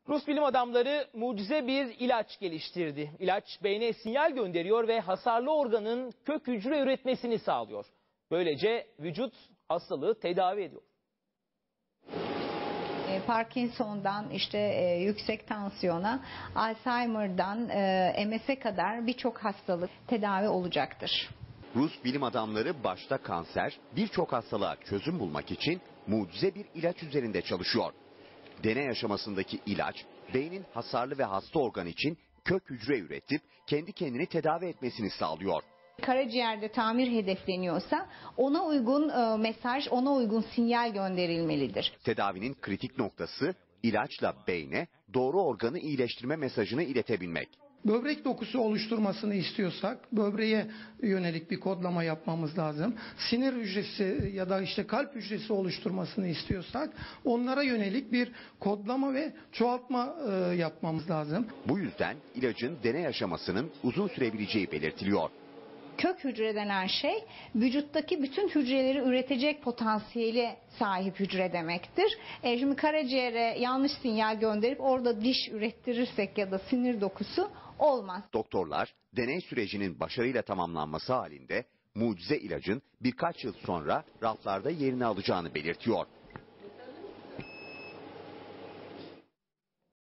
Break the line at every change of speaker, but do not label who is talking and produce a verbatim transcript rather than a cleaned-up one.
Rus bilim adamları mucize bir ilaç geliştirdi. İlaç beyne sinyal gönderiyor ve hasarlı organın kök hücre üretmesini sağlıyor. Böylece vücut hastalığı tedavi ediyor.
Parkinson'dan işte e, yüksek tansiyona, Alzheimer'dan e, M S'e kadar birçok hastalık tedavi olacaktır.
Rus bilim adamları başta kanser, birçok hastalığa çözüm bulmak için mucize bir ilaç üzerinde çalışıyor. Deney aşamasındaki ilaç, beynin hasarlı ve hasta organ için kök hücre üretip kendi kendini tedavi etmesini sağlıyor.
Karaciğerde tamir hedefleniyorsa ona uygun e, mesaj, ona uygun sinyal gönderilmelidir.
Tedavinin kritik noktası ilaçla beyne doğru organı iyileştirme mesajını iletebilmek.
Böbrek dokusu oluşturmasını istiyorsak böbreğe yönelik bir kodlama yapmamız lazım. Sinir hücresi ya da işte kalp hücresi oluşturmasını istiyorsak onlara yönelik bir kodlama ve çoğaltma e, yapmamız lazım.
Bu yüzden ilacın deney aşamasının uzun sürebileceği belirtiliyor.
Kök hücre denen şey vücuttaki bütün hücreleri üretecek potansiyeli sahip hücre demektir. E şimdi karaciğere yanlış sinyal gönderip orada diş ürettirirsek ya da sinir dokusu olmaz.
Doktorlar deney sürecinin başarıyla tamamlanması halinde mucize ilacın birkaç yıl sonra raflarda yerini alacağını belirtiyor.